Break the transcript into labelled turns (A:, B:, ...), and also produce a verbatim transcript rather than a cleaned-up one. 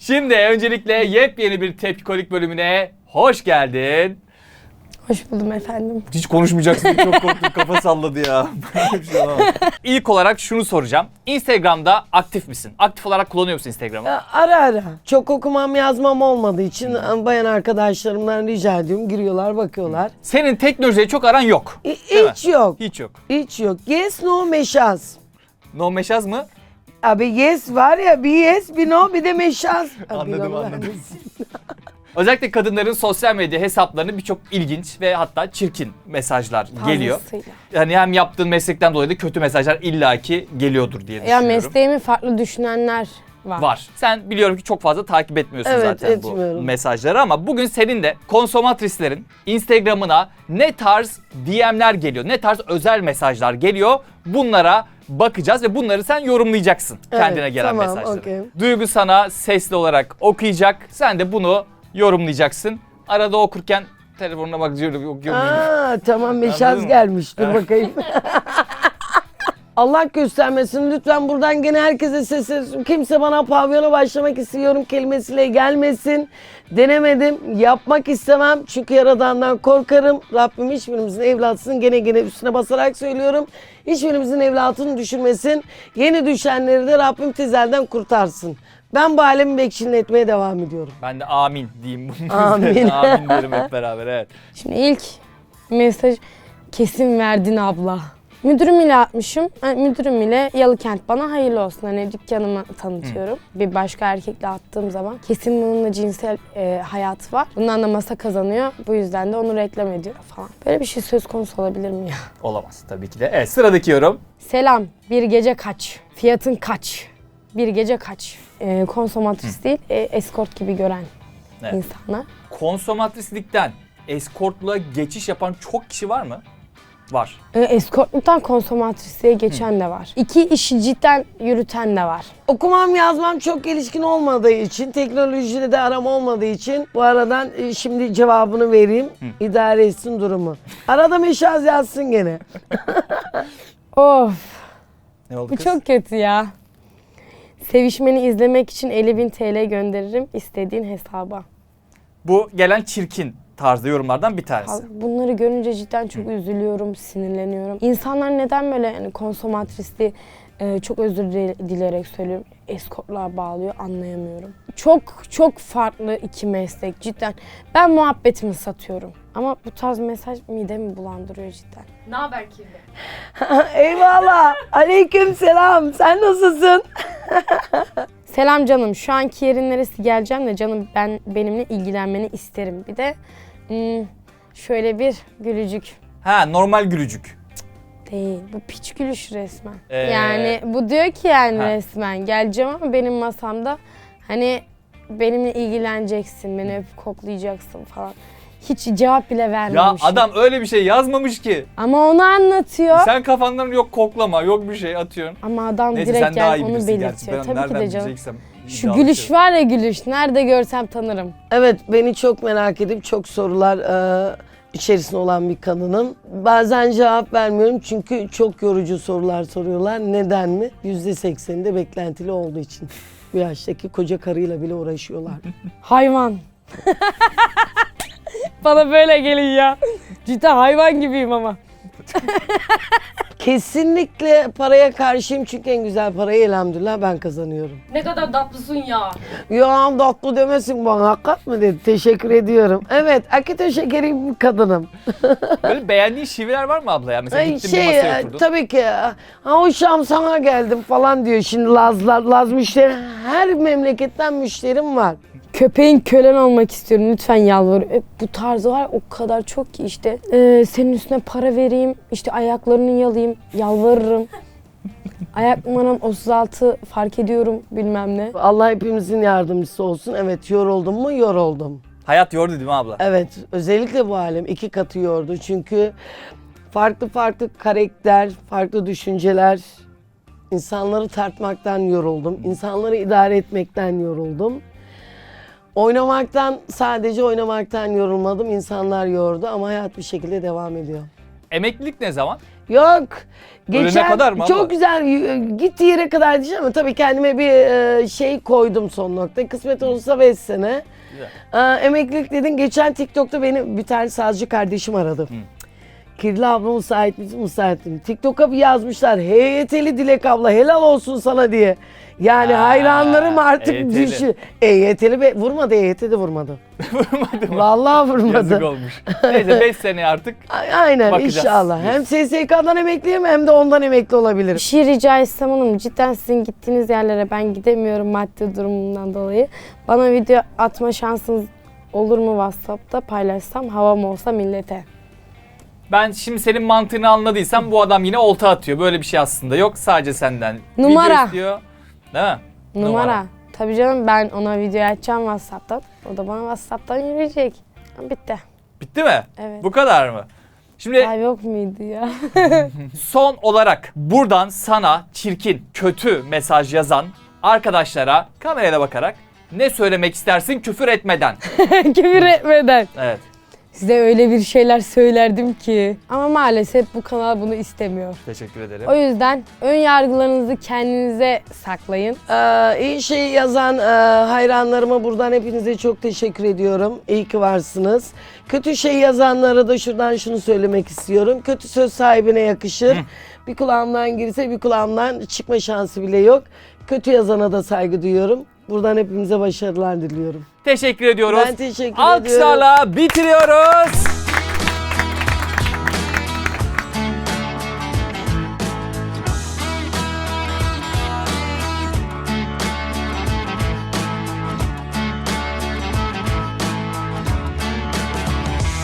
A: Şimdi öncelikle yepyeni bir Tepkikolik bölümüne hoş geldin.
B: Hoş buldum efendim.
A: Hiç konuşmayacaksın, çok korktum, kafa salladı ya. İlk olarak şunu soracağım. Instagram'da aktif misin? Aktif olarak kullanıyor musun Instagram'ı?
C: Ya, ara ara. Çok okumam yazmam olmadığı için bayan arkadaşlarımdan rica ediyorum. Giriyorlar bakıyorlar.
A: Senin teknolojiye çok aran yok.
C: Hi-
A: Değil
C: hiç yok.
A: Hiç yok.
C: Hiç yok. Yes, no, meşaz.
A: No meşaz mı?
C: Abi yes var ya, bir yes, bir no, bir de meşaz. Abi,
A: Anladım,
C: Allah
A: anladım.
C: vermesin.
A: Özellikle kadınların sosyal medya hesaplarına birçok ilginç ve hatta çirkin mesajlar geliyor.
B: Fazlasıyla.
A: Yani hem yaptığın meslekten dolayı da kötü mesajlar illaki geliyordur diye
B: Ya
A: düşünüyorum.
B: mesleğimi farklı düşünenler var.
A: Var. Sen biliyorum ki çok fazla takip etmiyorsun
C: Evet,
A: zaten bu
C: etmiyorum.
A: mesajları ama bugün senin de konsomatrislerin Instagram'ına ne tarz D M'ler geliyor, ne tarz özel mesajlar geliyor bunlara bakacağız ve bunları sen yorumlayacaksın
C: Evet,
A: kendine gelen
C: tamam,
A: mesajları.
C: okey.
A: Duygu sana sesli olarak okuyacak, sen de bunu yorumlayacaksın. Arada okurken telefonuna bak diyorum okuyorum.
C: Aa, tamam
A: Anladın
C: meşaz
A: mı?
C: gelmiş. Dur bakayım. Allah göstermesin. Lütfen buradan gene herkese sesleniyorum. Kimse bana pavyona başlamak istiyorum kelimesiyle gelmesin. Denemedim. Yapmak istemem. Çünkü Yaradan'dan korkarım. Rabbim hiçbirimizin evlatısını gene gene üstüne basarak söylüyorum. Hiçbirimizin evlatını düşürmesin. Yeni düşenleri de Rabbim tezelden kurtarsın. Ben bu alemi bekçiletmeye devam ediyorum.
A: Ben de amin diyeyim bunun
C: Amin.
A: üzerine. Amin derim hep beraber, evet.
B: Şimdi ilk mesaj kesin verdin abla. Müdürüm ile atmışım. Yani müdürüm ile Yalıkent bana hayırlı olsun. Hani dükkanımı tanıtıyorum. Bir başka erkekle attığım zaman kesin bununla cinsel e, hayatı var. Bundan da masa kazanıyor. Bu yüzden de onu reklam ediyor falan. Böyle bir şey söz konusu olabilir mi ya?
A: Olamaz tabii ki de. Evet, sıradaki yorum.
B: Selam. Bir gece kaç? Fiyatın kaç? Bir gece kaç? E, konsomatris değil, e, eskort gibi gören
A: Evet.
B: insanlar.
A: Konsomatrislikten eskortluğa geçiş yapan çok kişi var mı? Var.
B: E, eskortluktan konsomatrisliğe geçen de var. İki işi cidden yürüten de var.
C: Okumam yazmam çok gelişkin olmadığı için, teknolojiyle de aram olmadığı için bu aradan e, şimdi cevabını vereyim. İdare etsin durumu. Arada meşaz yazsın gene.
B: Of,
A: Ne oldu
B: bu
A: kız?
B: çok kötü ya. Sevişmeni izlemek için elli bin T L gönderirim istediğin hesaba.
A: Bu gelen çirkin tarzda yorumlardan bir tanesi.
B: Bunları görünce cidden çok üzülüyorum, sinirleniyorum. İnsanlar neden böyle yani konsomatrisliği e, çok özür dile- dileyerek söylüyorum, eskortluğa bağlıyor anlayamıyorum. Çok çok farklı iki meslek cidden. Ben muhabbetimi satıyorum. Ama bu tarz mesaj midemi bulandırıyor cidden.
D: Ne haber kirli?
C: Eyvallah. Aleyküm selam. Sen nasılsın?
B: Selam canım, şu anki yerin neresi geleceğim de canım ben benimle ilgilenmeni isterim. Bir de hmm, şöyle bir gülücük.
A: Ha, normal gülücük.
B: Değil, bu piç gülüş resmen.
A: Ee?
B: Yani bu diyor ki yani
A: Ha.
B: resmen geleceğim ama benim masamda hani benimle ilgileneceksin, beni öpüp koklayacaksın falan. Hiç cevap bile
A: Ya
B: vermemişim.
A: adam öyle bir şey yazmamış ki.
B: Ama onu anlatıyor.
A: Sen kafandan yok koklama, yok bir şey atıyorsun.
B: Ama adam
A: Neyse
B: direkt
A: sen daha iyi
B: yani onu
A: bilirsin gerçi.
B: belirtiyor.
A: Ben
B: Tabii ki
A: nereden
B: de canım.
A: bileceksem.
B: Şu
A: iddialı
B: gülüş
A: şey.
B: var ya gülüş. Nerede görsem tanırım.
C: Evet, beni çok merak edip çok sorular e, içerisinde olan bir kadınım. Bazen cevap vermiyorum çünkü çok yorucu sorular soruyorlar. Neden mi? yüzde sekseni de beklentili olduğu için. Bu yaştaki koca karıyla bile uğraşıyorlar.
B: Hayvan. Bana böyle gelin ya. Cidden hayvan gibiyim ama.
C: Kesinlikle paraya karşıyım çünkü en güzel parayı elhamdülillah ben kazanıyorum.
D: Ne kadar tatlısın ya.
C: Ya tatlı demesin bana, hakikat mı dedi. Teşekkür ediyorum. Evet, akito şekeri bir kadınım.
A: Böyle beğendiğin şiveler var mı abla ya? Mesela
C: Ay,
A: gittin bir
C: şey,
A: masaya
C: e,
A: oturdun.
C: tabii ki. Ha hoşam sana geldim falan diyor. Şimdi Laz, Laz, Laz müşteri, her memleketten müşterim var.
B: Köpeğin kölen olmak istiyorum lütfen yalvarıyorum. E, bu tarzı var o kadar çok ki işte. E, senin üstüne para vereyim, işte ayaklarını yalayayım, yalvarırım. Ayak numaram otuz altı fark ediyorum bilmem ne.
C: Allah hepimizin yardımcısı olsun. Evet, yoruldum mu? Yoruldum.
A: Hayat yordu değil mi abla?
C: Evet, özellikle bu alem iki katı yordu. Çünkü farklı farklı karakter, farklı düşünceler, insanları tartmaktan yoruldum. İnsanları idare etmekten yoruldum. Oynamaktan, sadece oynamaktan yorulmadım. İnsanlar yordu ama hayat bir şekilde devam ediyor.
A: Emeklilik ne zaman?
C: Yok.
A: Ölene
C: Geçen
A: kadar mı
C: çok
A: abla?
C: güzel y- gittiği yere kadar diyeceğim ama tabii kendime bir e, şey koydum son nokta. Kısmet olursa beş sene.
A: Güzel.
C: Aa, emeklilik dedin. Geçen TikTok'ta beni bir tane sazcı kardeşim aradı. Kirli abla müsait misin? Müsaitim. TikTok'a bir yazmışlar. H Y T'li Dilek abla helal olsun sana diye. Yani
A: Ha,
C: hayranlarım artık
A: E Y T'li.
C: düşü. E Y T'li be vurmadı, E Y T de vurmadı.
A: Vurmadı mı?
C: Vallahi vurmadı.
A: Yazık olmuş. Neyse beş sene artık.
C: A- Aynen
A: Bakacağız.
C: inşallah. Hem S S K'dan emekliyim hem de ondan emekli
B: Bir
C: olabilirim.
B: şey rica etsem hanım, cidden sizin gittiğiniz yerlere ben gidemiyorum maddi durumumdan dolayı. Bana video atma şansınız olur mu WhatsApp'ta paylaşsam, havam olsa millete.
A: Ben şimdi senin mantığını anladıysam bu adam yine olta atıyor. Böyle bir şey aslında yok. Sadece senden.
B: Numara.
A: Video istiyor. Değil mi?
B: Numara. Tabii canım, ben ona video açacağım WhatsApp'tan. O da bana WhatsApp'tan yürüyecek. Bitti.
A: Bitti mi?
B: Evet.
A: Bu kadar mı? Şimdi
B: Ya yok muydu ya?
A: son olarak buradan sana çirkin, kötü mesaj yazan arkadaşlara kameraya bakarak ne söylemek istersin küfür etmeden?
B: Küfür etmeden.
A: Evet.
B: Size öyle bir şeyler söylerdim ki. Ama maalesef bu kanal bunu istemiyor.
A: Teşekkür ederim.
B: O yüzden ön yargılarınızı kendinize saklayın.
C: Ee, iyi şey yazan e, hayranlarıma buradan hepinize çok teşekkür ediyorum. İyi ki varsınız. Kötü şey yazanlara da şuradan şunu söylemek istiyorum. Kötü söz sahibine yakışır. Bir kulağımdan girse bir kulağımdan çıkma şansı bile yok. Kötü yazana da saygı duyuyorum. Buradan hepimize başarılar diliyorum.
A: Teşekkür ediyoruz.
C: Ben teşekkür ediyorum.
A: Alkışlarla bitiriyoruz.